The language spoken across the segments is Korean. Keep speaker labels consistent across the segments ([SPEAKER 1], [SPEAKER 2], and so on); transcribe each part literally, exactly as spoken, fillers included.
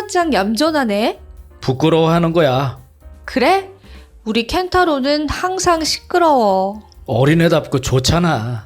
[SPEAKER 1] 칸나짱 얌전하네.
[SPEAKER 2] 부끄러워하는 거야.
[SPEAKER 1] 그래? 우리 켄타로는 항상 시끄러워.
[SPEAKER 2] 어린애답고 좋잖아.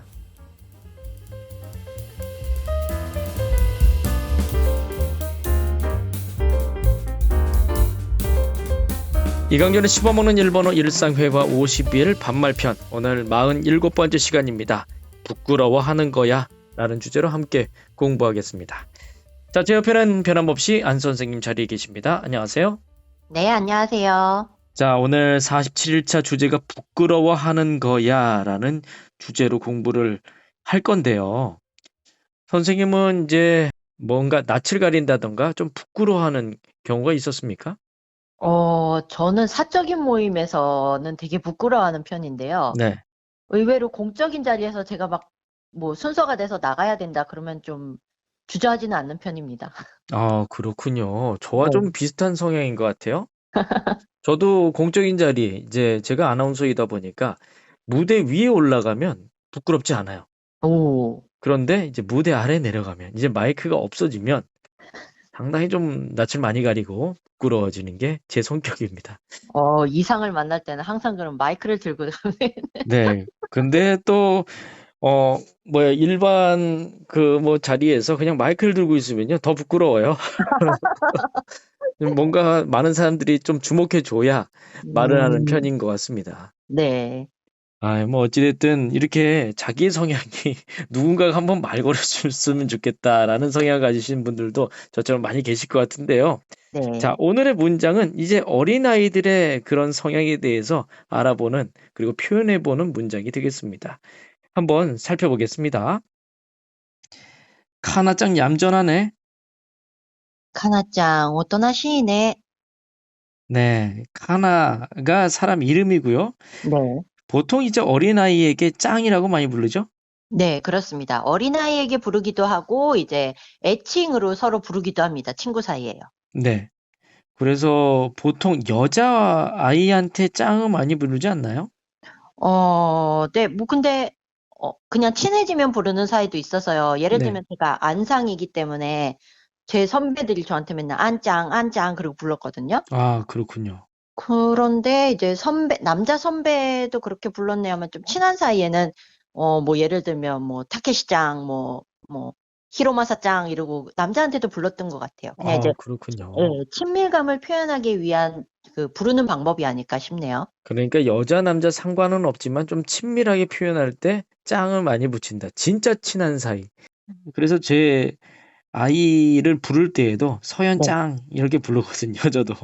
[SPEAKER 2] 이강렬의 씹어먹는 일본어 일상회화 오십 일 반말편, 오늘 사십칠 번째 시간입니다. 부끄러워하는 거야 라는 주제로 함께 공부하겠습니다. 자, 제 옆에는 변함없이 안 선생님 자리에 계십니다. 안녕하세요.
[SPEAKER 3] 네, 안녕하세요.
[SPEAKER 2] 자, 오늘 사십칠 일차 주제가 부끄러워하는 거야 라는 주제로 공부를 할 건데요. 선생님은 이제 뭔가 낯을 가린다던가 좀 부끄러워하는 경우가 있었습니까?
[SPEAKER 3] 어, 저는 사적인 모임에서는 되게 부끄러워하는 편인데요.
[SPEAKER 2] 네.
[SPEAKER 3] 의외로 공적인 자리에서 제가 막 뭐 순서가 돼서 나가야 된다 그러면 좀 주저하지는 않는 편입니다.
[SPEAKER 2] 아, 그렇군요. 저와
[SPEAKER 3] 네.
[SPEAKER 2] 좀 비슷한 성향인 것 같아요. 저도 공적인 자리, 이제 제가 아나운서이다 보니까 무대 위에 올라가면 부끄럽지 않아요.
[SPEAKER 3] 오,
[SPEAKER 2] 그런데 이제 무대 아래 내려가면, 이제 마이크가 없어지면 상당히 좀 낯을 많이 가리고 부끄러워지는 게 제 성격입니다.
[SPEAKER 3] 어, 이상을 만날 때는 항상 그럼 마이크를 들고 가면
[SPEAKER 2] 네. 근데 또, 어, 뭐야, 일반 그 뭐 자리에서 그냥 마이크를 들고 있으면요, 더 부끄러워요. 뭔가 많은 사람들이 좀 주목해줘야 말을 하는
[SPEAKER 3] 음,
[SPEAKER 2] 편인 것 같습니다.
[SPEAKER 3] 네,
[SPEAKER 2] 아, 뭐 어찌됐든 이렇게 자기의 성향이 누군가가 한번 말 걸어줬으면 좋겠다라는 성향을 가지신 분들도 저처럼 많이 계실 것 같은데요.
[SPEAKER 3] 네.
[SPEAKER 2] 자, 오늘의 문장은 이제 어린아이들의 그런 성향에 대해서 알아보는, 그리고 표현해보는 문장이 되겠습니다. 한번 살펴보겠습니다. 카나짱 얌전하네.
[SPEAKER 3] 카나짱, 오또나시네.
[SPEAKER 2] 네, 카나가 사람 이름이고요.
[SPEAKER 3] 네.
[SPEAKER 2] 보통 이제 어린아이에게 짱이라고 많이 부르죠?
[SPEAKER 3] 네, 그렇습니다. 어린아이에게 부르기도 하고, 이제 애칭으로 서로 부르기도 합니다. 친구 사이에요.
[SPEAKER 2] 네. 그래서 보통 여자아이한테 짱을 많이 부르지 않나요?
[SPEAKER 3] 어, 네, 뭐, 근데, 어, 그냥 친해지면 부르는 사이도 있어서요. 예를
[SPEAKER 2] 네.
[SPEAKER 3] 들면 제가 안상이기 때문에 제 선배들이 저한테 맨날 안짱, 안짱, 그러고 불렀거든요.
[SPEAKER 2] 아, 그렇군요.
[SPEAKER 3] 그런데 이제 선배, 남자 선배도 그렇게 불렀네요 하면 좀 친한 사이에는, 어, 뭐, 예를 들면 뭐, 타케시짱, 뭐, 뭐, 히로마사짱 이러고 남자한테도 불렀던 것 같아요. 그냥
[SPEAKER 2] 아,
[SPEAKER 3] 이제,
[SPEAKER 2] 그렇군요.
[SPEAKER 3] 예, 친밀감을 표현하기 위한 그 부르는 방법이 아닐까 싶네요.
[SPEAKER 2] 그러니까 여자, 남자 상관은 없지만 좀 친밀하게 표현할 때 짱을 많이 붙인다. 진짜 친한 사이. 그래서 제 아이를 부를 때에도 서연
[SPEAKER 3] 네.
[SPEAKER 2] 짱 이렇게 부르거든요, 저도.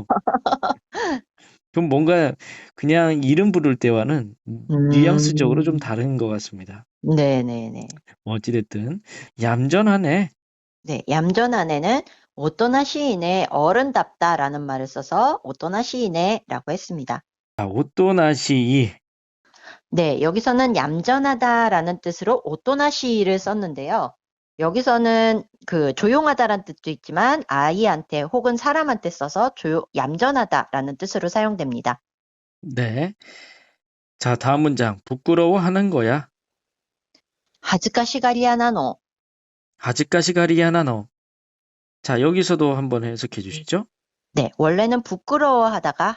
[SPEAKER 2] 그럼 뭔가 그냥 이름 부를 때와는 뉘앙스적으로 좀
[SPEAKER 3] 음,
[SPEAKER 2] 다른 것 같습니다.
[SPEAKER 3] 네네네.
[SPEAKER 2] 어찌됐든 얌전하네.
[SPEAKER 3] 네, 얌전한 애는 오또나 시인의 어른답다라는 말을 써서 오또나 시인의라고 했습니다.
[SPEAKER 2] 아, 오또나시.
[SPEAKER 3] 네, 여기서는 얌전하다라는 뜻으로 오또나 시를 썼는데요. 여기서는 그 조용하다라는 뜻도 있지만 아이한테 혹은 사람한테 써서 조용, 얌전하다라는 뜻으로 사용됩니다.
[SPEAKER 2] 네. 자, 다음 문장. 부끄러워하는 거야.
[SPEAKER 3] 하즈카시가리야 나노.
[SPEAKER 2] 아직까시가리야나 너. 자, 여기서도 한번 해석해 주시죠.
[SPEAKER 3] 네, 원래는 부끄러워하다가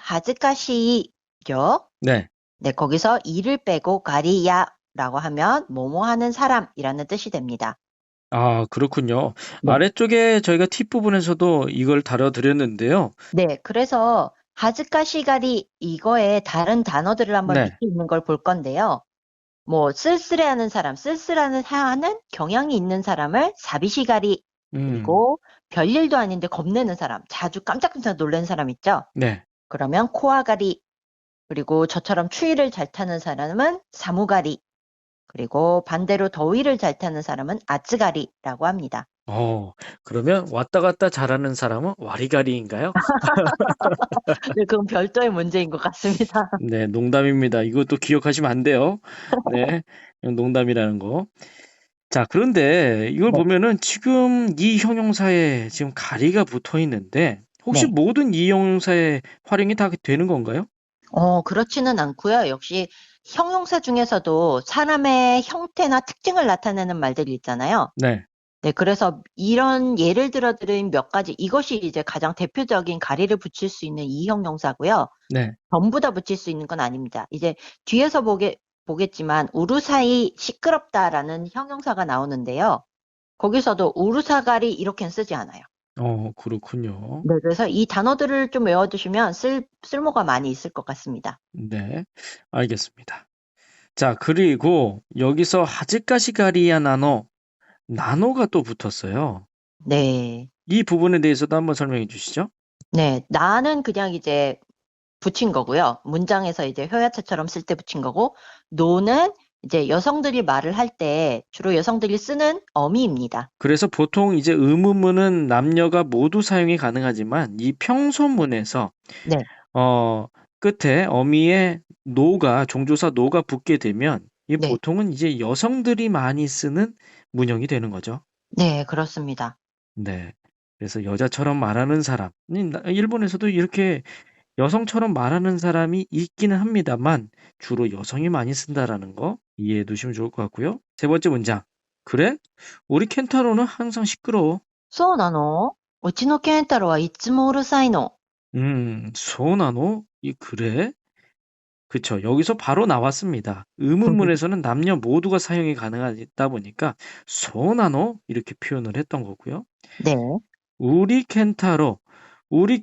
[SPEAKER 3] 하즈카시죠.
[SPEAKER 2] 네.
[SPEAKER 3] 네, 거기서 이를 빼고 가리야라고 하면 뭐뭐 하는 사람이라는 뜻이 됩니다.
[SPEAKER 2] 아, 그렇군요.
[SPEAKER 3] 네.
[SPEAKER 2] 아래쪽에 저희가 팁 부분에서도 이걸 다뤄드렸는데요.
[SPEAKER 3] 네, 그래서 하즈카시가리 이거에 다른 단어들을 한번
[SPEAKER 2] 네.
[SPEAKER 3] 밑에 있는 걸 볼 건데요. 뭐 쓸쓸해하는 사람, 쓸쓸하는 하는 경향이 있는 사람을 사비시가리
[SPEAKER 2] 음,
[SPEAKER 3] 그리고 별일도 아닌데 겁내는 사람, 자주 깜짝깜짝 놀라는 사람 있죠?
[SPEAKER 2] 네.
[SPEAKER 3] 그러면 코아가리 그리고 저처럼 추위를 잘 타는 사람은 사무가리 그리고 반대로 더위를 잘 타는 사람은 아츠가리라고 합니다.
[SPEAKER 2] 어, 그러면 왔다 갔다 잘하는 사람은 와리가리인가요?
[SPEAKER 3] 네, 그건 별도의 문제인 것 같습니다.
[SPEAKER 2] 네, 농담입니다. 이것도 기억하시면 안 돼요. 네, 농담이라는 거. 자, 그런데 이걸
[SPEAKER 3] 네.
[SPEAKER 2] 보면은 지금 이 형용사에 지금 가리가 붙어 있는데 혹시
[SPEAKER 3] 네.
[SPEAKER 2] 모든 이 형용사에 활용이 다 되는 건가요?
[SPEAKER 3] 어, 그렇지는 않고요. 역시 형용사 중에서도 사람의 형태나 특징을 나타내는 말들이 있잖아요.
[SPEAKER 2] 네.
[SPEAKER 3] 네, 그래서 이런 예를 들어 드린 몇 가지, 이것이 이제 가장 대표적인 가리를 붙일 수 있는 이 형용사고요.
[SPEAKER 2] 네.
[SPEAKER 3] 전부 다 붙일 수 있는 건 아닙니다. 이제 뒤에서 보게, 보겠지만 우루사이 시끄럽다라는 형용사가 나오는데요. 거기서도 우루사가리 이렇게는 쓰지 않아요.
[SPEAKER 2] 어, 그렇군요.
[SPEAKER 3] 네, 그래서 이 단어들을 좀 외워두시면 쓸, 쓸모가 많이 있을 것 같습니다.
[SPEAKER 2] 네, 알겠습니다. 자, 그리고 여기서 하즈카시가리야 나노, 나노가 또 붙었어요.
[SPEAKER 3] 네.
[SPEAKER 2] 이 부분에 대해서도 한번 설명해 주시죠.
[SPEAKER 3] 네, 나는 그냥 이제 붙인 거고요. 문장에서 이제 효야차처럼 쓸 때 붙인 거고, 노는 이제 여성들이 말을 할 때 주로 여성들이 쓰는 어미입니다.
[SPEAKER 2] 그래서 보통 이제 의문문은 남녀가 모두 사용이 가능하지만 이 평소문에서
[SPEAKER 3] 네.
[SPEAKER 2] 어, 끝에 어미의 노가 종조사 노가 붙게 되면 이
[SPEAKER 3] 네.
[SPEAKER 2] 보통은 이제 여성들이 많이 쓰는 문형이 되는 거죠.
[SPEAKER 3] 네, 그렇습니다.
[SPEAKER 2] 네. 그래서 여자처럼 말하는 사람, 이 나- 일본에서도 이렇게 여성처럼 말하는 사람이 있기는 합니다만 주로 여성이 많이 쓴다라는 거 이해해 두시면 좋을 것 같고요. 세 번째 문장. 그래? 우리 켄타로는 항상 시끄러워.
[SPEAKER 3] そうなのうちの健太郎はいつもうるさいの。
[SPEAKER 2] 음, 소나노? 이 그래? 그쵸. 여기서 바로 나왔습니다. 의문문에서는 남녀 모두가 사용이 가능하다 보니까 소나노? 이렇게 표현을 했던 거고요.
[SPEAKER 3] 네.
[SPEAKER 2] 우리 켄타로, 우리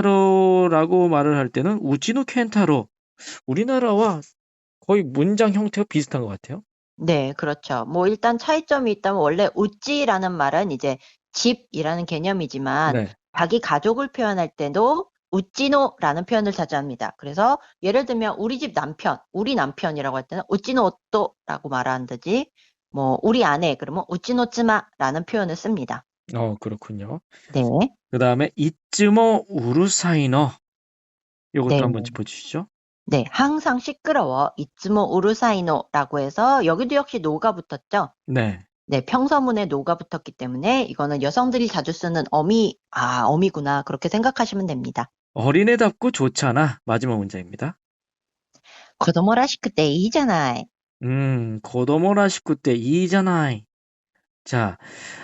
[SPEAKER 2] 켄타로라고 말을 할 때는 우치노 켄타로. 우리나라와 거의 문장 형태가 비슷한 것 같아요.
[SPEAKER 3] 네, 그렇죠. 뭐 일단 차이점이 있다면 원래 우찌라는 말은 이제 집이라는 개념이지만
[SPEAKER 2] 네.
[SPEAKER 3] 자기 가족을 표현할 때도 우찌노라는 표현을 자주 합니다. 그래서 예를 들면 우리 집 남편, 우리 남편이라고 할 때는 우찌노 오또라고 말한다지, 뭐 우리 아내 그러면 우찌노 츠마라는 표현을 씁니다.
[SPEAKER 2] 어, 그렇군요.
[SPEAKER 3] 네.
[SPEAKER 2] 그 다음에 이츠모 우루사이너. 요것도
[SPEAKER 3] 네.
[SPEAKER 2] 한번 짚어주시죠.
[SPEAKER 3] 네, 항상 시끄러워. 이츠모 우루사이노라고 해서 여기도 역시 노가 붙었죠.
[SPEAKER 2] 네.
[SPEAKER 3] 네, 평서문에 노가 붙었기 때문에 이거는 여성들이 자주 쓰는 어미, 아, 어미구나. 그렇게 생각하시면 됩니다.
[SPEAKER 2] 어린애답고 좋잖아. 마지막 문장입니다.
[SPEAKER 3] 子供らしくていいじゃない.
[SPEAKER 2] 음, 고도모라 식구 때 이잖아이. 자,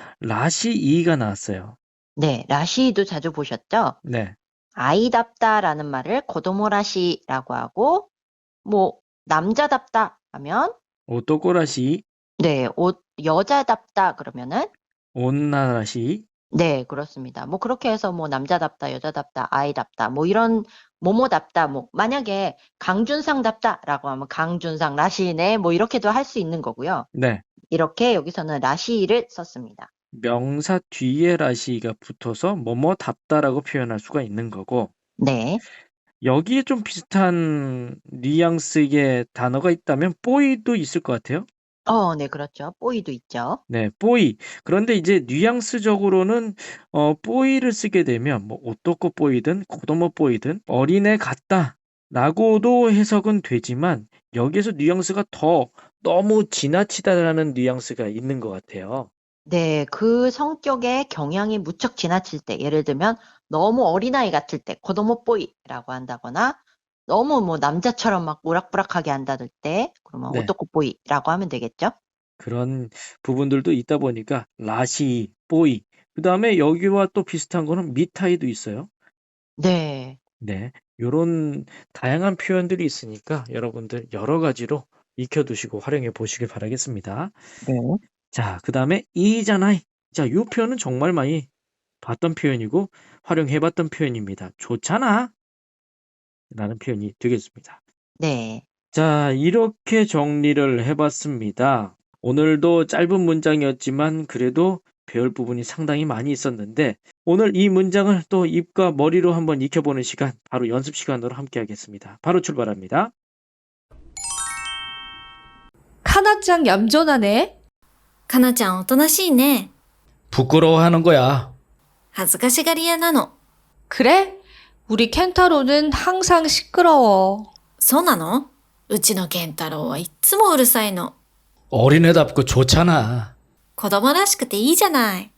[SPEAKER 2] 라시 이가 나왔어요.
[SPEAKER 3] 네, 라시도 자주 보셨죠?
[SPEAKER 2] 네.
[SPEAKER 3] 아이답다라는 말을 고도모라시라고 하고, 뭐, 남자답다 하면,
[SPEAKER 2] 오토코라시,
[SPEAKER 3] 네, 옷, 여자답다 그러면은,
[SPEAKER 2] 온나라시.
[SPEAKER 3] 네, 그렇습니다. 뭐, 그렇게 해서 뭐, 남자답다, 여자답다, 아이답다, 뭐, 이런, 뭐뭐답다, 뭐, 만약에 강준상답다라고 하면 강준상, 라시네, 뭐, 이렇게도 할 수 있는 거고요.
[SPEAKER 2] 네.
[SPEAKER 3] 이렇게 여기서는 라시를 썼습니다.
[SPEAKER 2] 명사 뒤에 라시가 붙어서 뭐뭐답다라고 표현할 수가 있는 거고,
[SPEAKER 3] 네.
[SPEAKER 2] 여기에 좀 비슷한 뉘앙스의 단어가 있다면 뽀이도 있을 것 같아요.
[SPEAKER 3] 어, 네, 그렇죠. 뽀이도 있죠.
[SPEAKER 2] 네, 뽀이. 그런데 이제 뉘앙스적으로는 어, 뽀이를 쓰게 되면 뭐 오토코 뽀이든 고도모 뽀이든 어린애 같다라고도 해석은 되지만 여기서 뉘앙스가 더 너무 지나치다라는 뉘앙스가 있는 것 같아요.
[SPEAKER 3] 네, 그 성격의 경향이 무척 지나칠 때, 예를 들면 너무 어린아이 같을 때, 고도모 뽀이라고 한다거나, 너무 뭐 남자처럼 막 우락부락하게 한다들 때, 그러면
[SPEAKER 2] 네.
[SPEAKER 3] 오토코 뽀이라고 하면 되겠죠?
[SPEAKER 2] 그런 부분들도 있다 보니까 라시, 뽀이. 그 다음에 여기와 또 비슷한 거는 미타이도 있어요.
[SPEAKER 3] 네,
[SPEAKER 2] 네, 요런 다양한 표현들이 있으니까 여러분들 여러 가지로 익혀두시고 활용해 보시길 바라겠습니다.
[SPEAKER 3] 네.
[SPEAKER 2] 자, 그 다음에 이잖아이. 자, 요 표현은 정말 많이 봤던 표현이고 활용해 봤던 표현입니다. 좋잖아. 라는 표현이 되겠습니다.
[SPEAKER 3] 네.
[SPEAKER 2] 자, 이렇게 정리를 해봤습니다. 오늘도 짧은 문장이었지만 그래도 배울 부분이 상당히 많이 있었는데 오늘 이 문장을 또 입과 머리로 한번 익혀보는 시간, 바로 연습 시간으로 함께 하겠습니다. 바로 출발합니다.
[SPEAKER 1] 카나짱 얌전하네.
[SPEAKER 4] かなちゃんおとなしいね。
[SPEAKER 2] 부끄러워하는 거야.
[SPEAKER 4] 恥ずかしがり屋なの。
[SPEAKER 1] 그래? 우리 켄타로는 항상 시끄러워.
[SPEAKER 4] そうなの？うちの健太郎はいっつもうるさいの。
[SPEAKER 2] 어린애답고 좋잖아.
[SPEAKER 4] 子供らしくていいじゃない。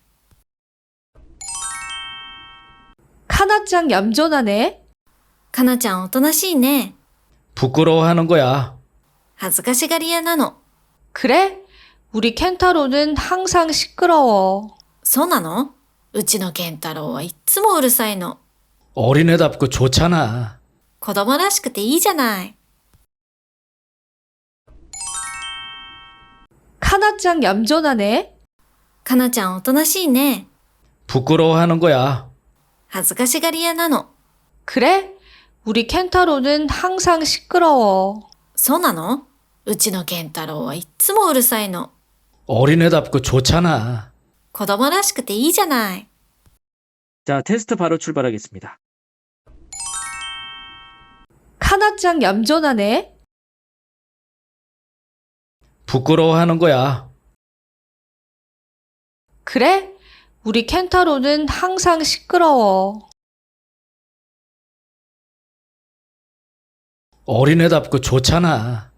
[SPEAKER 1] 카나짱 얌전하네.
[SPEAKER 4] かなちゃんおとなしいね。
[SPEAKER 2] 부끄러워하는 거야.
[SPEAKER 4] 恥ずかしがり屋なの。
[SPEAKER 1] 그래? 우리 켄타로는 항상 시끄러워.
[SPEAKER 4] そうなの？うちの健太郎はいっつもうるさいの。
[SPEAKER 5] 어린애답고 좋잖아.
[SPEAKER 4] 子供らしくていいじゃない。
[SPEAKER 1] 카나짱 얌전하네.
[SPEAKER 4] かなちゃんおとなしいね。
[SPEAKER 5] 부끄러워하는 거야.
[SPEAKER 4] 恥ずかしがり屋なの。
[SPEAKER 1] 그래? 우리 켄타로는 항상 시끄러워.
[SPEAKER 4] そうなの？うちの健太郎はいっつもうるさいの。
[SPEAKER 5] 어린애답고 좋잖아.
[SPEAKER 4] 子供らしくていいじゃない。
[SPEAKER 2] 자, 테스트 바로 출발하겠습니다.
[SPEAKER 1] 카나짱 얌전하네.
[SPEAKER 5] 부끄러워하는 거야.
[SPEAKER 1] 그래? 우리 켄타로는 항상 시끄러워.
[SPEAKER 5] 어린애답고 좋잖아.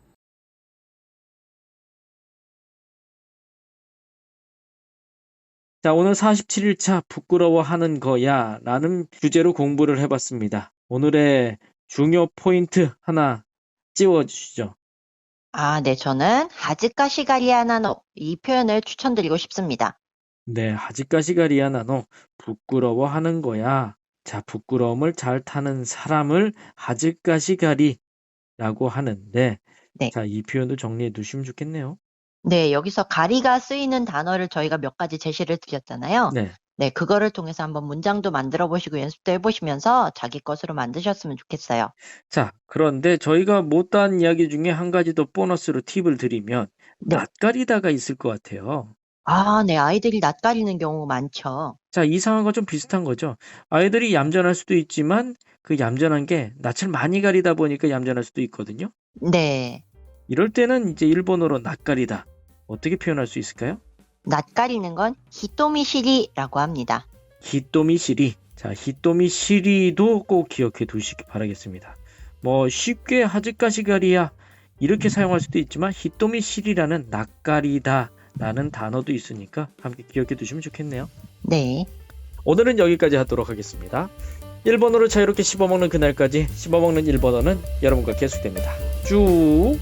[SPEAKER 2] 자, 오늘 사십칠 일차 부끄러워하는 거야 라는 주제로 공부를 해봤습니다. 오늘의 중요 포인트 하나 찝어주시죠.
[SPEAKER 3] 아, 네, 저는 하즈카시가리아나노 이 표현을 추천드리고 싶습니다.
[SPEAKER 2] 네, 하지까시가리야 나노 부끄러워하는 거야. 자, 부끄러움을 잘 타는 사람을 하지까시가리라고 하는데,
[SPEAKER 3] 네.
[SPEAKER 2] 자, 이 표현도 정리해 두시면 좋겠네요.
[SPEAKER 3] 네, 여기서 가리가 쓰이는 단어를 저희가 몇 가지 제시를 드렸잖아요.
[SPEAKER 2] 네,
[SPEAKER 3] 네, 그거를 통해서 한번 문장도 만들어 보시고 연습도 해보시면서 자기 것으로 만드셨으면 좋겠어요.
[SPEAKER 2] 자, 그런데 저희가 못다한 이야기 중에 한 가지 더 보너스로 팁을 드리면
[SPEAKER 3] 네.
[SPEAKER 2] 낯가리다가 있을 것 같아요.
[SPEAKER 3] 아, 네, 아이들이 낯가리는 경우 많죠.
[SPEAKER 2] 자, 이 상황과 좀 비슷한 거죠. 아이들이 얌전할 수도 있지만 그 얌전한 게 낯을 많이 가리다 보니까 얌전할 수도 있거든요.
[SPEAKER 3] 네,
[SPEAKER 2] 이럴 때는 이제 일본어로 낯가리다 어떻게 표현할 수 있을까요?
[SPEAKER 3] 낯가리는 건 히토미시리라고 합니다.
[SPEAKER 2] 히토미시리. 자, 히토미시리도 꼭 기억해 두시기 바라겠습니다. 뭐 쉽게 하즈카시가리야 이렇게 사용할 수도 있지만 히토미시리라는 낯가리다 라는 단어도 있으니까 함께 기억해 두시면 좋겠네요.
[SPEAKER 3] 네,
[SPEAKER 2] 오늘은 여기까지 하도록 하겠습니다. 일본어를 자유롭게 씹어먹는 그날까지 씹어먹는 일본어는 여러분과 계속됩니다. 쭉!